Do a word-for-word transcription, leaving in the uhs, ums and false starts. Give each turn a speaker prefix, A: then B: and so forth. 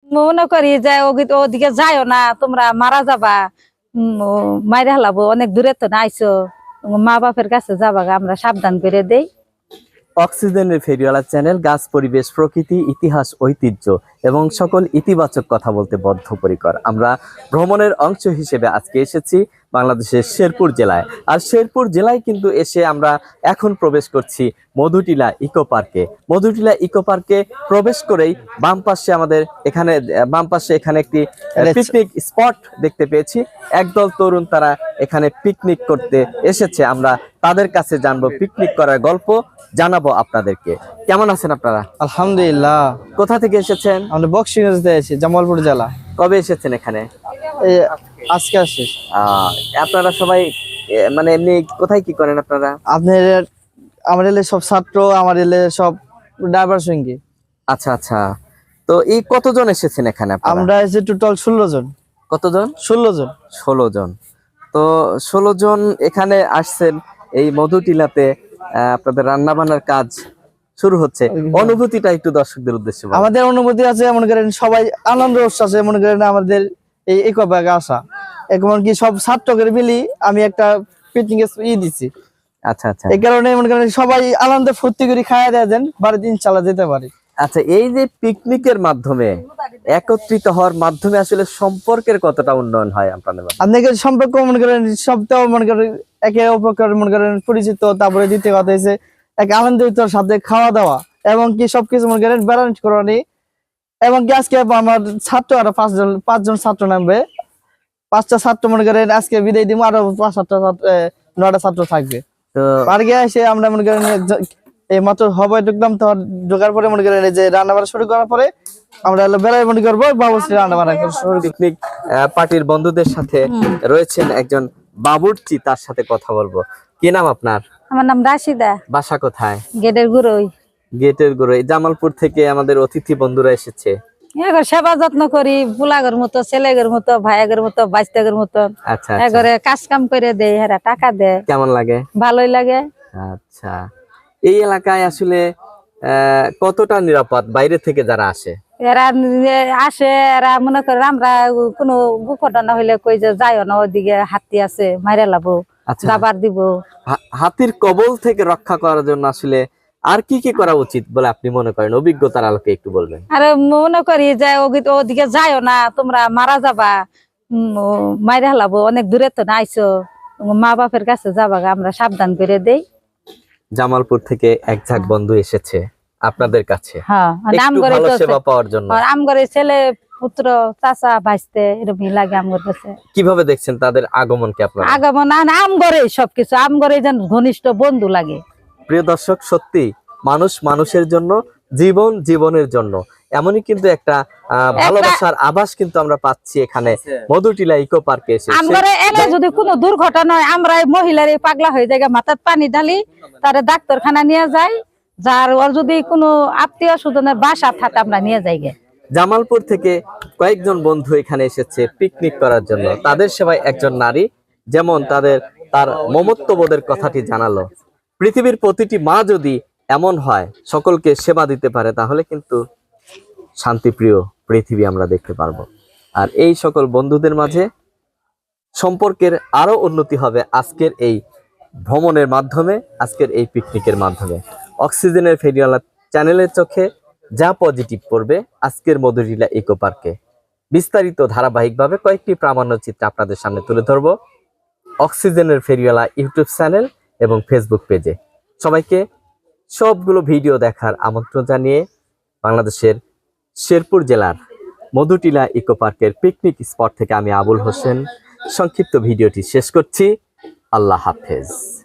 A: মনে করি যে ওদিকে যাইও না, তোমরা মারা যাবা, মাইরে হালাবো, অনেক দূরে তো না আইসো, মা বাপের কাছে যাবা, আমরা সাবধান করে দেই।
B: অক্সিজেনের ফেরিওয়ালা চ্যানেল গাছ, পরিবেশ, প্রকৃতি, ইতিহাস, ঐতিহ্য এবং সকল ইতিবাচক কথা বলতে বদ্ধপরিকর। আমরা ভ্রমণের অংশ হিসেবে আজকে এসেছি বাংলাদেশের শেরপুর জেলায়। আর শেরপুর জেলায় কিন্তু এসে আমরা এখন প্রবেশ করছি মধুটিলা ইকো পার্কে। মধুটিলা ইকো পার্কে প্রবেশ করেই বাম পাশে আমাদের এখানে বাম পাশে এখানে একটি পিকনিক স্পট দেখতে পেয়েছি। একদল তরুণ তারা এখানে পিকনিক করতে এসেছে। আমরা তাদের কাছে জানবো, পিকনিক করার গল্প জানাবো আপনাদেরকে। কেমন আছেন আপনারা?
C: আলহামদুলিল্লাহ।
B: কোথা থেকে এসেছেন?
C: আমরা বক্সিগঞ্জ থেকে এসেছি, জামালপুর জেলা।
B: কবে এসেছেন এখানে?
C: এই আজকে আসছি।
B: আহ আপনারা সবাই মানে এমনি কোথায় কি করেন আপনারা?
C: আপনার আমার এলে সব ছাত্র, আমার এলে সব ড্রাইভার সঙ্গী।
B: আচ্ছা আচ্ছা, তো এই কতজন এসেছেন এখানে?
C: আমরা এসে টোটাল ষোলো জন।
B: কতজন?
C: ষোলো জন।
B: ষোলো জন। তো ষোলো জন এখানে আসছেন এই মধুটিলাতে। আপনাদের রান্না বান্নার কাজ শুরু হচ্ছে, অনুভূতিটা একটু দর্শকদের উদ্দেশ্যে বলুন।
C: আমাদের অনুভূতি আছে, মনে করেন সবাই আনন্দ উচ্ছ্বাসে মনে করেন আমাদের এই ইকো পার্কে আসা। এমনকি সব ছাত্রদের মিলি আমি একটা পিকনিক ই দিচ্ছি।
B: আচ্ছা আচ্ছা,
C: এই কারণে মনে করেন সবাই আনন্দে ফুর্তি করে খাওয়া দেওয়া দেন, বাড়িতে ইনশাল্লাহ যেতে পারি।
B: আচ্ছা, এই যে পিকনিকের মাধ্যমে একত্রিত হওয়ার মাধ্যমে আসলে সম্পর্কের কতটা উন্নয়ন হয় আপনাদের?
C: আপনাকে সম্পর্ক মনে করেন সবটাও মনে করেন একে অপরের মনে করেন পরিচিত। তারপরে দ্বিতীয় কথা হচ্ছে এক আনন্দিত সাথে খাওয়া দাওয়া এবং কি সবকিছু মনে করেন ব্যালেন্স করানি। এবং কি আজকে আমার ছাত্র আরো পাঁচজন পাঁচজন ছাত্র নামবে, পাঁচটা ছাত্র মনে করেন আজকে বিদায় দিব, আরো পাঁচ সাতটা নয়টা ছাত্র থাকবে। তো পার্কে এসে আমরা মনে করেন এই মাত্র হবাই ঢুকলাম, তো ঢোকার পরে মনে করেন এই যে রান্না বান্না শুরু করার পরে আমরা বেলায় মনে করবো বাবুর্চি রান্না বান্না।
B: পিকনিক পার্টির বন্ধুদের সাথে রয়েছেন একজন বাবুর্চি, তার সাথে কথা বলবো। কি নাম আপনার?
A: আমার নাম রাশিদা।
B: বাসা কোথায়?
A: গেটের গুড়োই।
B: গেটের গুড়োই। জামালপুর থেকে আমাদের অতিথি বন্ধুরা এসেছে।
A: এগর সেবা যত্ন করি, বুলাগের মতো, ছেলেগের মতো, ভাইয়ের মতো, বাইস্তাগের মতো।
B: আচ্ছা,
A: এগরে কাজ কাম করে দেয়, হেরা টাকা দেয়।
B: কেমন লাগে?
A: ভালোই লাগে।
B: আচ্ছা, এই এলাকায় আসলে আহ কতটা নিরাপদ বাইরে থেকে যারা আসে?
A: এরা আসে, এরা মনে করে আমরা কোনো দুর্ঘটনা হইলে কই যে যাইও না, ওইদিকে হাতি আছে, মাইরে লাবো, দাবার দিব।
B: হাতির কবল থেকে রক্ষা করার জন্য আসলে আর কি কি করা উচিত বলে আপনি মনে করেন? অভিজ্ঞতার আলোকে একটু বলবেন।
A: আরে মনে করি যে ওদিকে যাইও না, তোমরা মারা যাবা, মাইরে হালাবো, অনেক দূরে তো না আইসো, মা বাপের কাছে যাবা, আমরা সাবধান করে দেই।
B: জামালপুর থেকে এক ঝাঁক বন্ধু এসেছে আপনাদের কাছে সেবা পাওয়ার জন্য।
A: আমগরে ছেলে পুত্র চাচা ভাইস্তে এরকম লাগে আমগর কাছে।
B: কিভাবে দেখছেন তাদের আগমনকে আপনারা?
A: আগমন আমগরে সবকিছু, আমগরে যেন ঘনিষ্ঠ বন্ধু লাগে।
B: প্রিয় দর্শক, সত্যি মানুষ মানুষের জন্য, জীবন জীবনের জন্য, এমনই কিন্তু একটা ভালোবাসার আভাস কিন্তু আমরা পাচ্ছি এখানে মধুটিলা ইকো পার্কে এসে।
A: আমগরে এলে যদি কোনো দুর্ঘটনা হয়, আমরা মহিলার পাগলা হয়ে যায়, মাথার পানি ঢালি, তারে ডাক্তারখানা নিয়ে যাই, যার ওর যদি কোনো আত্মীয় স্বজনের বাসা থাকে আমরা নিয়ে যাই।
B: জামালপুর থেকে কয়েকজন বন্ধু এখানে এসেছে পিকনিক করার জন্য। তাদের সেবায় একজন নারী যেমন তাদের তার মমত্ববোধের কথাটি জানালো। পৃথিবীর প্রতিটি মা যদি এমন হয়, সকলকে সেবা দিতে পারে, তাহলে কিন্তু শান্তিপ্রিয় পৃথিবী আমরা দেখতে পারবো। আর এই সকল বন্ধুদের মাঝে সম্পর্কের আরো উন্নতি হবে আজকের এই ভ্রমণের মাধ্যমে, আজকের এই পিকনিকের মাধ্যমে। অক্সিজেনের ফেরিওয়ালা চ্যানেলের চোখে যা পজিটিভ পড়বে আজকের মধুটিলা ইকো পার্কে, বিস্তারিত ধারাবাহিকভাবে কয়েকটি প্রামাণ্য চিত্র আপনাদের সামনে তুলে ধরবো অক্সিজেনের ফেরিওয়ালা ইউটিউব চ্যানেল এবং ফেসবুক পেজে। সবাইকে সবগুলো ভিডিও দেখার আমন্ত্রণ জানিয়ে বাংলাদেশের শেরপুর জেলার মধুটিলা ইকো পার্কের পিকনিক স্পট থেকে আমি আবুল হোসেন সংক্ষিপ্ত ভিডিওটি শেষ করছি। আল্লাহ হাফেজ।